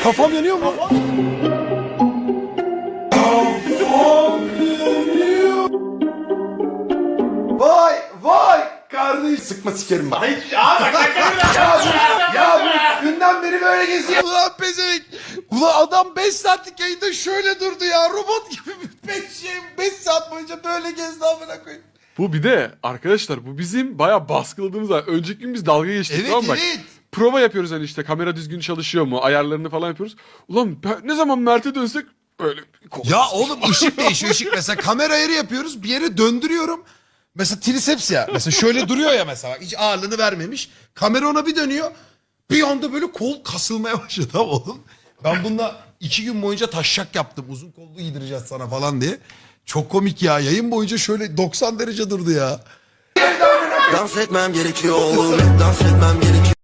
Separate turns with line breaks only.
Kafam yanıyor mu? Vay vay kardeş sıkma sikerim bak. Ya bu günden beri böyle geziyor. Ulan pezevenk. Ulan adam 5 saatlik yayında şöyle durdu ya. Robot gibi 5 saat boyunca böyle gezdi amına koyayım.
Bu bir de arkadaşlar bu bizim bayağı baskıladığımız var. Önceki gün biz dalga geçtik
Evet
tamam mı? Bak,
evet.
prova yapıyoruz hani işte kamera düzgün çalışıyor mu ayarlarını falan yapıyoruz. Ulan ne zaman Mert'e dönsek öyle.
Ya oğlum ışık değişiyor ışık. Mesela kamera ayarı yapıyoruz bir yere döndürüyorum. Mesela triceps ya. Mesela şöyle duruyor ya mesela. Hiç ağırlığını vermemiş. Kamera ona bir dönüyor. Bir anda böyle kol kasılmaya başladı tamam oğlum. Ben bununla 2 gün boyunca taşşak yaptım. Uzun kollu giydireceğiz sana falan diye. Çok komik ya. Yayın boyunca şöyle 90 derece durdu ya.
Dans etmem gerekiyor oğlum, dans etmem gerekiyor.